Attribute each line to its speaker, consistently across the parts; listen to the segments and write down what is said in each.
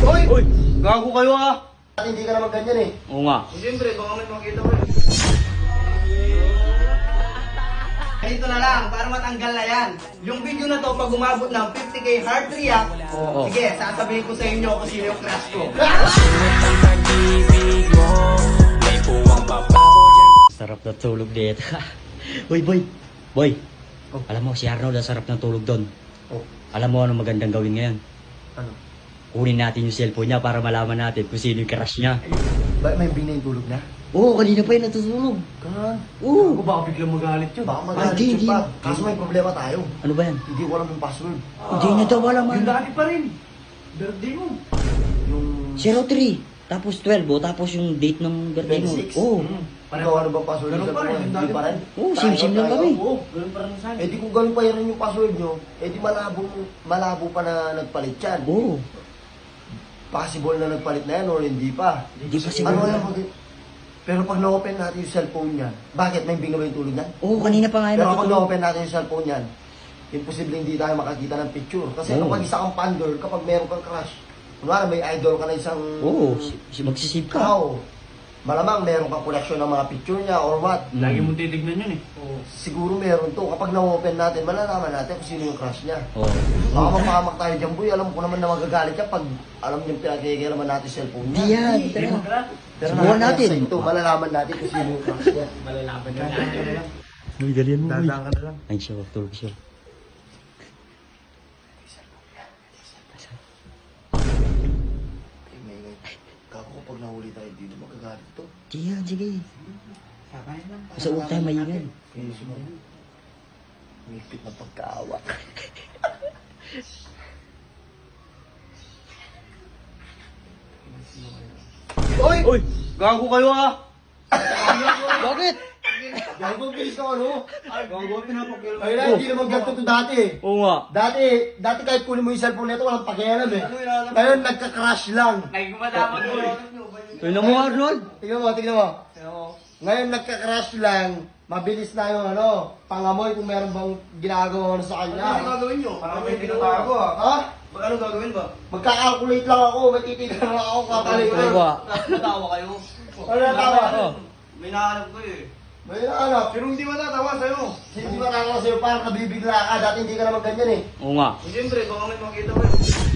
Speaker 1: Hoy!
Speaker 2: Uy! Gago kayo ah!
Speaker 1: At hindi ka naman ganyan eh.
Speaker 2: Oo nga.
Speaker 3: Siyempre, baka may makita ko eh. Ganito na lang, para matanggal na yan. Yung video na to, pag umabot ng 50k heart react,
Speaker 2: Oo.
Speaker 3: sige, sasabihin ko sa inyo kung sino yung crush ko.
Speaker 2: Sarap na tulog dito. Uy, boy! Boy!
Speaker 1: Oh.
Speaker 2: Alam mo, si Arnold ang sarap ng tulog doon.
Speaker 1: Oh,
Speaker 2: Alam mo ano magandang gawin ngayon?
Speaker 1: ano?
Speaker 2: Kunin natin yung cellphone niya para malaman natin kung sino yung crush niya.
Speaker 1: Ba may bing na yung tulog na?
Speaker 2: Oo, kanina pa yun natutulog.
Speaker 1: Kan?
Speaker 2: Oo.
Speaker 3: Baka biglang magalit yun.
Speaker 1: Baka magalit
Speaker 2: Hindi,
Speaker 1: yun pa.
Speaker 2: hindi.
Speaker 1: Kaso may problema tayo.
Speaker 2: Ano ba yan?
Speaker 1: Hindi ko alam yung password.
Speaker 2: Hindi na daw alam
Speaker 3: Yung
Speaker 2: ano.
Speaker 3: dati pa rin. Birthday mo.
Speaker 1: Yung...
Speaker 2: 03. Tapos 12, oh. Tapos yung date ng birthday mo.
Speaker 1: 26?
Speaker 2: Oo.
Speaker 1: Ikaw ano bang password?
Speaker 3: Ganun
Speaker 1: Sa
Speaker 3: pa rin,
Speaker 1: phone?
Speaker 3: yung
Speaker 1: Hindi
Speaker 3: dati
Speaker 1: pa rin?
Speaker 2: Oo, sim-sim lang kami.
Speaker 1: Oo.
Speaker 3: Ganun pa rin sa
Speaker 1: Eh di kung ganun pa rin yung password nyo, eh di malabo pa na nagpalit yan.
Speaker 2: Oo.
Speaker 1: Possible na nagpalit na yan or hindi pa.
Speaker 2: Hindi pa
Speaker 1: Ano
Speaker 2: siguro.
Speaker 1: alam mo din? Pero pag na-open natin yung cellphone niya, bakit may bing na ba yung tulog niyan?
Speaker 2: Oo, kanina pa nga yun
Speaker 1: Pero kapag
Speaker 2: natutulog.
Speaker 1: na-open natin yung cellphone niyan, imposible hindi tayo makakita ng picture. Kasi
Speaker 2: Oo.
Speaker 1: kapag isa kang fan girl, kapag meron kang crush, kunwari may idol ka na isang
Speaker 2: Oo, magsisave ka.
Speaker 1: tao, malamang meron kang collection ng mga picture niya or what.
Speaker 3: Lagi mong titignan yun eh.
Speaker 1: Siguro meron to. Kapag na-open natin, malalaman natin kung sino yung crush niya.
Speaker 2: Oo.
Speaker 1: Baka mapahamak tayo dyan, boy. Alam ko naman na magagalit ka pag alam niyo pinagkikailaman natin yung cellphone niya.
Speaker 2: Hindi yan.
Speaker 3: Hindi mo ka.
Speaker 1: Pero
Speaker 2: Subukan natin.
Speaker 1: Sa ito, malalaman natin kung sino yung crush niya.
Speaker 3: Malalaban na natin.
Speaker 2: Uy, dalian mo.
Speaker 1: Dadaan ka na lang.
Speaker 2: Ay, siya, tulog siya.
Speaker 1: Eh, may kako kapag nahuli tayo dito, magagalit to.
Speaker 2: Sige yan, sige.
Speaker 3: Kakain lang.
Speaker 2: Sa huwag tayo maingay.
Speaker 1: Eh, sumayon. Mipit na pagkaawa.
Speaker 2: Uy! Uy! Gago kayo ah! Bakit?
Speaker 1: Gago, bilis ka ano?
Speaker 3: Gago, pinapakil mo.
Speaker 1: Ay na, hindi naman ganito to dati eh.
Speaker 2: Oo nga.
Speaker 1: Dati kahit kunin mo yung cellphone nito, walang pakialam eh. Ngayon, nagka-crash lang.
Speaker 3: Nagkumadama ko eh.
Speaker 2: Tingnan mo, Arnold.
Speaker 1: Tingnan mo, tingnan mo. Ngayon, nagka-crash lang. Mabilis na yung ano, pangamoy kung meron bang ginagawa sa
Speaker 3: Ano
Speaker 1: kanya.
Speaker 3: gagawin nyo? Parang may pinatago ah.
Speaker 1: Ha?
Speaker 3: Ano gagawin ba?
Speaker 1: Magka-calculate lang ako, may titignan lang ako, calculator.
Speaker 2: Ano ba?
Speaker 3: Natawa kayo.
Speaker 1: Ano natawa?
Speaker 2: Oo.
Speaker 3: May nahanap ko eh.
Speaker 1: May nahanap.
Speaker 3: Pero hindi matatawa sa'yo.
Speaker 1: Hindi ba nakakas sa'yo, parang nabibigla ka, dati hindi ka naman ganyan eh.
Speaker 2: Oo nga.
Speaker 3: Siyempre, baka may makita ko eh.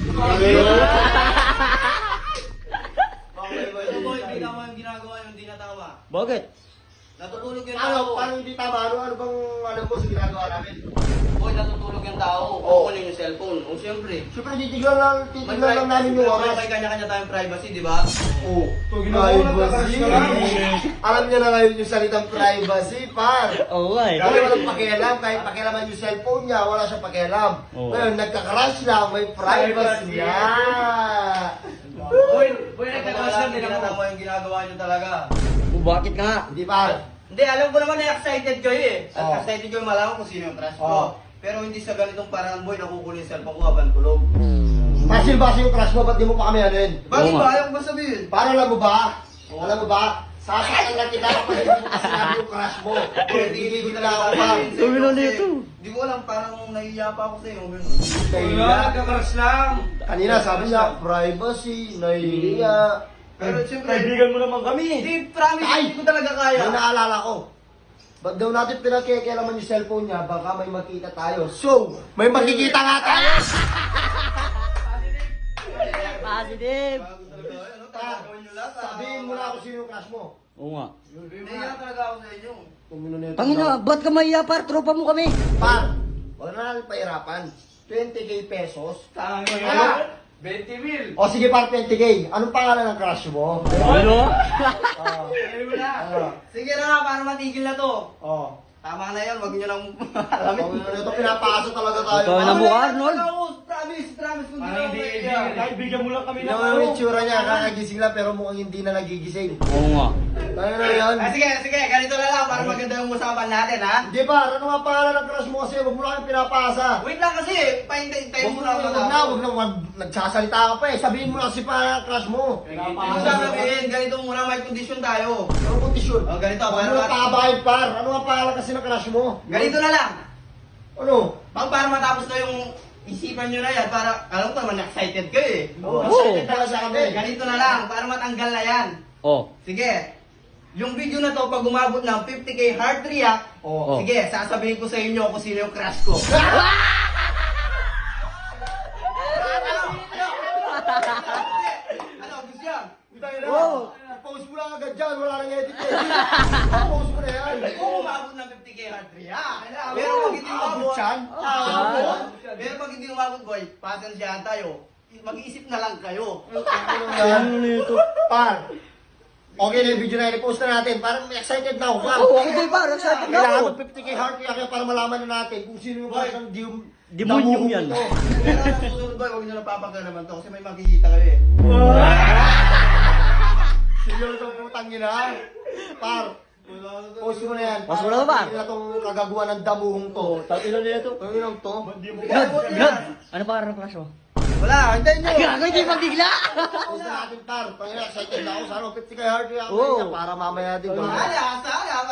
Speaker 3: Ito boy, hindi tama yung ginagawa yung hindi natawa.
Speaker 2: Bakit?
Speaker 3: Natutulog yung
Speaker 1: Ano,
Speaker 3: tao.
Speaker 1: parang hindi tama, ano bang alam mo sa ginagawa namin?
Speaker 3: Boy, natutulog yung tao.
Speaker 1: Oo.
Speaker 3: Kukunin yung cellphone. O siyempre.
Speaker 1: Siyempre, titignan lang namin yung oras.
Speaker 3: May kanya-kanya tayong privacy, di ba?
Speaker 1: Oo.
Speaker 3: ginagawa
Speaker 1: Privacy. Alam niya na ngayon yung salitang privacy, par.
Speaker 2: Oo nga eh.
Speaker 1: Dahil walang pakialam, kahit pakialaman yung cellphone niya, wala siyang pakialam.
Speaker 2: Oo.
Speaker 1: Ngayon, nagka-crash lang, may privacy.
Speaker 3: Boy, nagkakalas lang din ako. Yung ginagawa niyo talaga.
Speaker 2: O, bakit nga?
Speaker 1: Hindi par.
Speaker 3: Hindi, alam ko naman na excited kayo eh.
Speaker 1: Oo.
Speaker 3: Excited kayo malaman kung sino yung crush
Speaker 1: Oo.
Speaker 3: ko. Pero hindi sa ganitong parang boy, nakukunin yung cellphone ko habang tulog.
Speaker 1: Masil-basi yung crush mo, ba't di mo pa kami ano yun?
Speaker 3: Bakit
Speaker 2: Oo
Speaker 3: ba?
Speaker 2: nga.
Speaker 3: Ayaw ko ba sabihin?
Speaker 1: Para alam mo ba? Alam mo ba? Sasaktan lang kita kapag hindi mo pa sinabi yung crush mo. Hindi ko na ako pa.
Speaker 2: Sabi na nito.
Speaker 3: Hindi ko alam, parang nahihiya pa ako sa'yo.
Speaker 1: Nahihiya.
Speaker 3: nagka-crush lang.
Speaker 1: Kanina sabi niya, privacy, nahihiya.
Speaker 3: Pero siyempre,
Speaker 2: Kaibigan mo naman kami.
Speaker 3: hindi, promise,
Speaker 1: Ay!
Speaker 3: hindi ko talaga kaya.
Speaker 1: May naalala ko. Ba't daw natin pinagkikialaman yung cellphone niya, baka may makita tayo. So, may makikita nga tayo!
Speaker 2: Positive.
Speaker 3: Bago talaga, ano, tatagawin niyo lahat.
Speaker 1: Sabihin mo na ako sino yung crush mo.
Speaker 2: Oo nga.
Speaker 3: Nahihiya talaga ako sa inyo.
Speaker 1: Tumino na ito.
Speaker 2: Pangina, ba't ka mahiya par? Tropa mo kami.
Speaker 1: Par, wag na natin pahirapan. 20k pesos.
Speaker 3: Tama
Speaker 1: Ah!
Speaker 3: 20 mil.
Speaker 1: O sige par, 20k. Anong pangalan ng crush mo?
Speaker 2: Ano?
Speaker 1: Ah,
Speaker 3: Sabi mo na.
Speaker 1: ah,
Speaker 3: Sige na nga, para matigil na to.
Speaker 1: oh.
Speaker 3: Tama na yan, wag niyo nang
Speaker 1: Tumino na ito, pinapasa talaga tayo.
Speaker 2: Ikaw na mukha, Arnold.
Speaker 3: Promise, kung
Speaker 4: Parang hindi kaibigan. Kahit bigyan mo lang kami ng
Speaker 1: Yung itsura niya, kakagising lang pero mukhang hindi na nagigising.
Speaker 2: Oo nga.
Speaker 1: Tayo na yun.
Speaker 3: Sige, ganito na lang para maganda yung usapan natin, ha?
Speaker 1: Hindi ba, ano nga pangalan ng crush mo kasi wag mo lang pinapasa.
Speaker 3: Wait lang kasi, pahintayin
Speaker 1: Huwag
Speaker 3: mo
Speaker 1: mo
Speaker 3: na
Speaker 1: na, wag na, nagsasalita ka pa eh. Sabihin mo lang kasi pa crush mo.
Speaker 3: Ano sasabihin, ganito muna, may condition tayo.
Speaker 1: Ano kondisyon?
Speaker 3: Oh, ganito,
Speaker 1: Huwag
Speaker 3: para
Speaker 1: mo na pababayad par. Ano nga pangalan kasi ng crush mo?
Speaker 3: Ganito na lang.
Speaker 1: Ano?
Speaker 3: Para matapos na yung isipan nyo na yan para, alam ko naman, excited kayo eh.
Speaker 1: Oo.
Speaker 2: Oo.
Speaker 1: Excited pala sa kami.
Speaker 3: Ganito na lang, para matanggal na yan.
Speaker 2: Oh.
Speaker 3: Sige, yung video na to, pag umabot ng 50k heart react,
Speaker 2: Oh.
Speaker 3: sige, sasabihin ko sa inyo kung sino yung crush ko. Ano, gusto yan?
Speaker 1: Oo. Post mo lang agad dyan, wala nang edit eh. Post mo na yan.
Speaker 3: Kung umabot ng 50k heart react, pero pag hindi umabot,
Speaker 1: Chan?
Speaker 3: pero pag hindi umabot, boy, pasensyahan tayo. Mag-iisip na lang kayo.
Speaker 2: Ano nito?
Speaker 1: Par. Okay na yung video na yun, i-post na natin. Parang excited na ako. Par.
Speaker 2: Oo, ako din para excited na
Speaker 1: Kailangan
Speaker 2: ako.
Speaker 1: mag 50k heart react kaya para malaman na natin kung sino yung parang
Speaker 2: Demonyong yan.
Speaker 3: Pero ang susunod, boy, huwag nyo napapagka naman to kasi may makikita kayo eh.
Speaker 1: Seryoso ang putang ina. Par. Post mo na yan.
Speaker 2: Post mo na, Par.
Speaker 1: Hindi na itong kagaguhan ng damuhong to.
Speaker 2: Ilan nila to?
Speaker 1: Ang inang to.
Speaker 2: Brad! Ano pa ng crush mo?
Speaker 1: Wala, hintayin nyo.
Speaker 2: Gago, hindi mabigla!
Speaker 1: Post na natin, par. Pangina, excited na ako. Sana 50k heart react
Speaker 2: Oo.
Speaker 1: para mamaya din.
Speaker 3: Sana, sana,